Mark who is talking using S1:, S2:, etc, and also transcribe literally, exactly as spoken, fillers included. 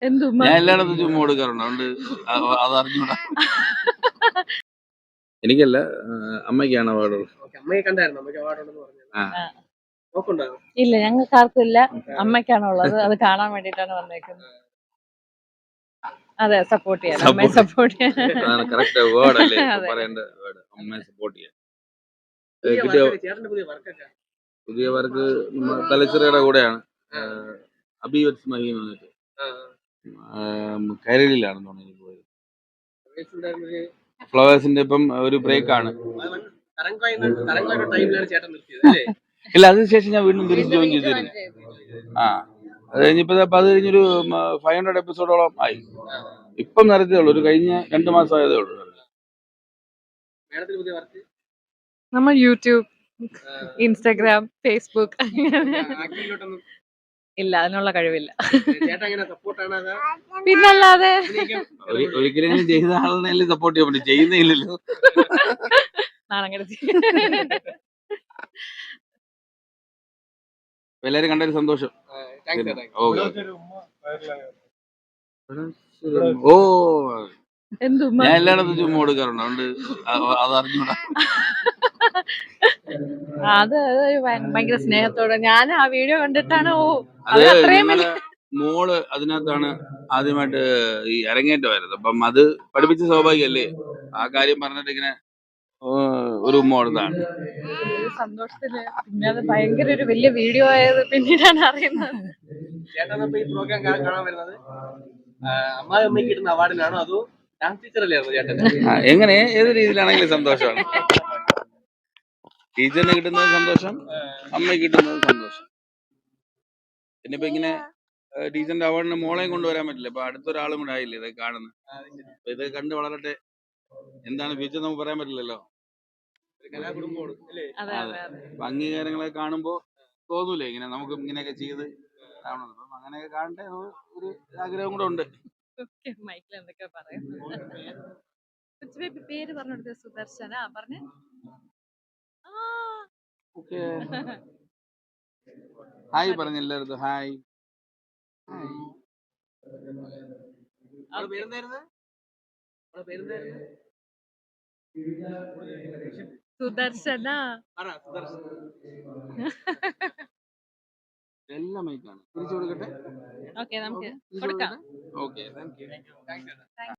S1: എന്തുമ്മ
S2: ഞാൻ എല്ലായിടത്തും ചുമ്മാ കൊടുക്കാറുണ്ട്. അതുകൊണ്ട് അ- അത് അറിഞ്ഞൂടാ. എനിക്കല്ല, ആ, അമ്മയ്ക്കാണ് അവാർഡ്.
S3: ഓക്കേ, അമ്മയെ കണ്ടായിരുന്നു. അമ്മയ്ക്ക് അവാർഡ് ഉണ്ടെന്ന് പറഞ്ഞു.
S2: ആ
S1: ആ.
S3: നോക്കുണ്ടോ?
S1: ഇല്ല, ഞങ്ങൾക്ക് ആർക്കും ഇല്ല. അമ്മയ്ക്കാണുള്ളത്. അത് കാണാൻ വേണ്ടിട്ടാണ് വന്നേക്കുന്നത്. അതെ, സപ്പോർട്ട് ചെയ്യാൻ, അമ്മയെ
S2: Support.
S1: സപ്പോർട്ട് ചെയ്യാൻ.
S2: അതാണ് കറക്റ്റ് വേർഡ് അല്ലേ ഇപ്പൊ
S1: അതെ.
S2: പറയേണ്ട വേർഡ്. അമ്മയെ സപ്പോർട്ട് ചെയ്യാൻ. ഏ,
S3: പുതിയ
S2: കിട്ടിയ
S3: വർക്കൊക്കെ, ചേട്ടന്റെ പുതിയ വർക്കൊക്കെ.
S2: പുതിയ വർക്ക് തലച്ചിറയുടെ കൂടെയാണ്.
S3: ആ,
S2: അബി വത്സ് മഹീം വന്നിട്ട്
S3: ആ.
S2: കരളിലാണെന്ന് തോന്നുന്നു എനിക്ക് പോയത്.
S3: Race ഉണ്ടായിരുന്നൊരു
S2: ഫ്ലവേഴ്സിന്റെ ഇപ്പം ഒരു ബ്രേക്ക് ആണ്.
S3: തരംഗോയുടെ തരംഗോയുടെ ടൈമിലാണ് ചേട്ടൻ നിർത്തിയത് അല്ലേ?
S2: ഇല്ല, അതിനുശേഷം ഞാൻ വീണ്ടും തിരിച്ച് ജോയിൻ ചെയ്തിരുന്നു. ആ അത് കഴിഞ്ഞിപ്പോ ദാ ഇപ്പൊ അത് കഴിഞ്ഞൊരു ഫൈവ് ഹൺഡ്രഡ് എപ്പിസോഡോളം ആയി. ഇപ്പം നടത്തിയേ ഉള്ളൂ, ഒരു കഴിഞ്ഞ രണ്ട് മാസം ആയതേ ഉള്ളൂ.
S3: മേഡത്തിന് പുതിയ വർക്ക്
S1: നമ്മൾ യൂട്യൂബ്, ഇൻസ്റ്റാഗ്രാം, ഫേസ്ബുക്ക് അങ്ങനെ
S3: ആക്ടിങ്ങിലോട്ടൊന്നും
S1: ഇല്ല, അതിനുള്ള കഴിവില്ല.
S3: ചേട്ടൻ എങ്ങനെ സപ്പോർട്ടാണ്? അതാ
S1: പിന്നല്ലാതെ
S3: അഭിനയിക്കാൻ
S2: ഒരു- ഒരിക്കലെങ്കിലും ചെയ്ത ആളിനെ സപ്പോർട്ട് ചെയ്യാൻ പറ്റും, ചെയ്യുന്നില്ലല്ലോ.
S1: നാണങ്ങെടുത്തി.
S2: എല്ലാരും കണ്ടൊരു സന്തോഷം.
S3: താങ്ക്സ് ചേട്ടാ.
S2: ഓക്കെ. ഓ
S1: എന്തുമ്മ
S2: ഞാൻ എല്ലായിടത്തും ചുമ്മാ കൊടുക്കാറുണ്ട്. അതുകൊണ്ട് അ- അത് അറിഞ്ഞൂടാ.
S1: അത് ഒരു ഭയ- ഭയങ്കര സ്നേഹത്തോടെ ഞാൻ ആ വീഡിയോ കണ്ടിട്ടാണ്. ഓ,
S2: അത്
S1: അത് അത്രയും
S2: ഞങ്ങള്
S1: വലിയ
S2: മോള് അതിനകത്താണ് ആദ്യമായിട്ട് ഈ അരങ്ങേറ്റമായിരുന്നു. അപ്പം അത് പഠിപ്പിച്ച സൗഭാഗ്യല്ലേ, ആ കാര്യം പറഞ്ഞിട്ട് ഇങ്ങനെ ഏ, ഒരു ഉമ്മ കൊടുത്താണ്.
S1: ഒരു സന്തോഷത്തില്. പിന്നെ അത് ഭയങ്കര ഒരു വലിയ വീഡിയോ ആയത് പിന്നീടാണ് അറിയുന്നത്.
S3: ചേട്ടൻ ഇപ്പൊ ഈ പ്രോഗ്രാം കാണാൻ വരുന്നത് അമ്മായി അമ്മയ്ക്ക് കിട്ടുന്ന അവാർഡിനാണോ അതോ ഡാൻസ് ടീച്ചർ അല്ലായിരുന്നു ചേട്ടൻ?
S2: ആ, എങ്ങനെ ഏത് രീതിയിലാണെങ്കിലും സന്തോഷമാണ്. ടീച്ചറിന് കിട്ടുന്നത് സന്തോഷം, അമ്മയ്ക്ക് കിട്ടുന്നത് സന്തോഷം. പിന്നെ ഇപ്പൊ ഇങ്ങനെ ഏ, ടീച്ചറിന്റെ അവാർഡിന് മോളെയും കൊണ്ടുവരാൻ പറ്റില്ല. ഇപ്പൊ അടുത്തൊരാളും കൂടെ ആയില്ലേ ഇത് കാണുന്നത്. അപ്പൊ ഇത് കണ്ട് വളരട്ടെ. എന്താണ് ഫ്യൂച്ചർ നമുക്ക് പറയാൻ പറ്റില്ലല്ലോ.
S3: ഒരു കലാകുടുംബമാണ് അല്ലേ?
S1: അതെ
S2: അതെ.
S1: അതെ അതെ.
S2: അപ്പൊ അംഗീകാരങ്ങളെ കാണുമ്പോ തോന്നൂലേ ഇങ്ങനെ നമുക്ക് ഇങ്ങനെയൊക്കെ ചെയ്ത് കാണണം. അപ്പം അങ്ങനെയൊക്കെ കാണട്ടെ എന്ന് ഒരു ആഗ്രഹം കൂടെ ഉണ്ട്.
S1: മൈക്കിൽ എന്തൊക്കെയാ പറയുന്നത്. കൊച്ചുബേബി പേര് പറഞ്ഞെടുത്ത സുദർശന പറഞ്ഞ.
S2: ഓക്കെ, ഹായ് പറഞ്ഞ എല്ലായിടത്തും ഹായ്.
S3: അവളുടെ പേരെന്തായിരുന്നു? അവളുടെ പേരെന്തായിരുന്നു?
S1: സുദർശന.
S3: പറ സുദർശൻ.
S2: എല്ലാം മൈക്കാണ്. തിരിച്ചു കൊടുക്കട്ടെ.
S1: ഓക്കെ, നമുക്ക്
S2: തിരിച്ചു
S1: കൊടുക്കാം.
S2: കൊടുക്കട്ടെ. Okay, thank you.
S3: താങ്ക്സ് ചേട്ടാ.